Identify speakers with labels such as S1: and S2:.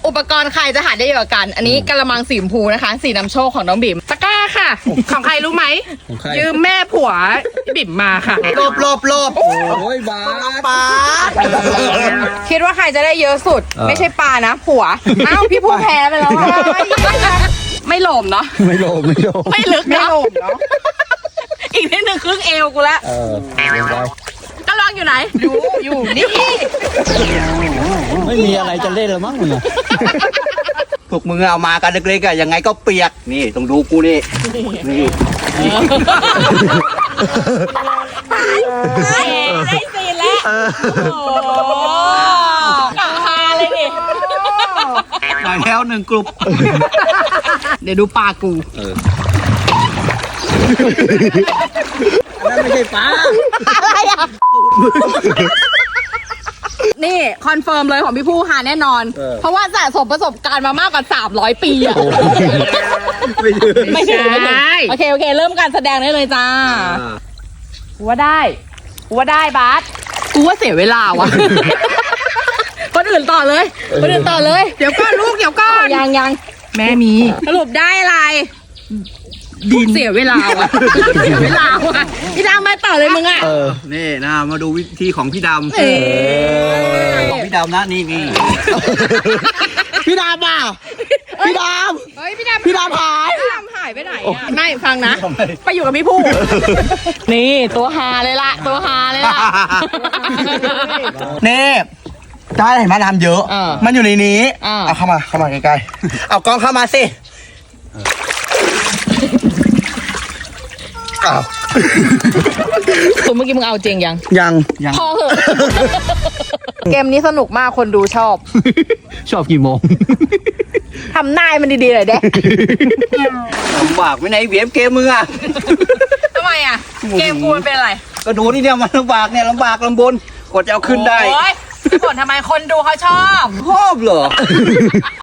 S1: อุปกรณ์ใครจะหาได้เยอะกัน อันนี้กระมังสีชมพูนะคะ สีน้ำโชคของน้องบิ่ม
S2: ตะกร้าค่ะ ของใครรู้ไหม ยืมแม่ผัวบิ่มมาค่ะ
S3: หลบโอ้ยบาปลา
S1: คิดว่าใครจะได้เยอะสุด ไม่ใช่ปลานะผัวอ้าวพี่ผู้แพ้ไปแล้วอะไม่หลมเนาะ
S3: ไม่โลภ
S1: ไม่ลึกเนาะอีกนิดนึงครึ่งเอวกูแล้ว
S3: เดี๋ยวไป
S1: ก็ลองอยู่ไหนอยู่นี่
S3: ไม่มีอะไรจะเล่นแล้วมั้งมึงอะ
S4: พวกมึงเอามากันเล็กๆอะยังไงก็เปียกนี่ต้องดูกูนี่นี่
S1: ได้ซีนแล้วโอ้กะฮาเลยดิ
S4: ได้แล้วหนึ่งกลุ่ม
S1: เดี๋ยวดูปลากู
S3: นั่นไม่ใช่ปลา
S1: อะไรอ่ะ นี่คอนเฟิร์มเลยของพี่ผู้หาแน่นอน เพราะว่าสะสมประสบการณ์มามากกว่า300 ปีอ่ะ ไม่ถึงโอเคเริ่มการแสดงได้เลยจ้ากูว่าได้บาสกูว่าเสียเวลาวะคนอื่นต่อเลย
S2: เดี๋ยวก่อนลูกเดี๋ยวก่อน
S1: ยัง
S2: แม่มี
S1: สรุปได้อะไรเสียเวลาวะพี่ดำมาต่อเลยมึงอ่ะ
S4: นี่นะมาดูวิธีของพี่ดำของพี่ดำนะนี่
S3: พี่ดำอ่ะพี่ด
S1: เฮ้ยพี่ดำ
S3: ำพี่ดำหาย
S1: พี่ดำหายไปไหนอ่ะไม่ฟังนะ ไปอยู่กับพี่ผู้ นี่ตัวฮาเลยล่ะ
S3: นี่ได้เห็นไหมน้ำเยอะ มันอยู่ในนี้เอาเข้ามาใกล้ๆเอากล้องเข้ามาสิอ้าว
S1: คุณเมื่อกี้มึงเอาจริงยัง
S3: ยัง
S1: พอเหอะ เกมนี้สนุกมากคนดูชอบ
S3: ชอบกี่โมง
S1: ทำหน้าให้มันดีๆหน่อยเด้
S4: ลำบากไม่ไหนเวียมเกมมึงอ่ะ
S1: ทำไมอ่ะ เกมกูมันเป็นอะไร
S4: ก็ดูนี่เนี่ยมันลำบากลำบนกดจะเอาขึ้นได้
S1: โอ๊ยผลทำไมคนดูเขาชอบ
S4: ชอบเหรอ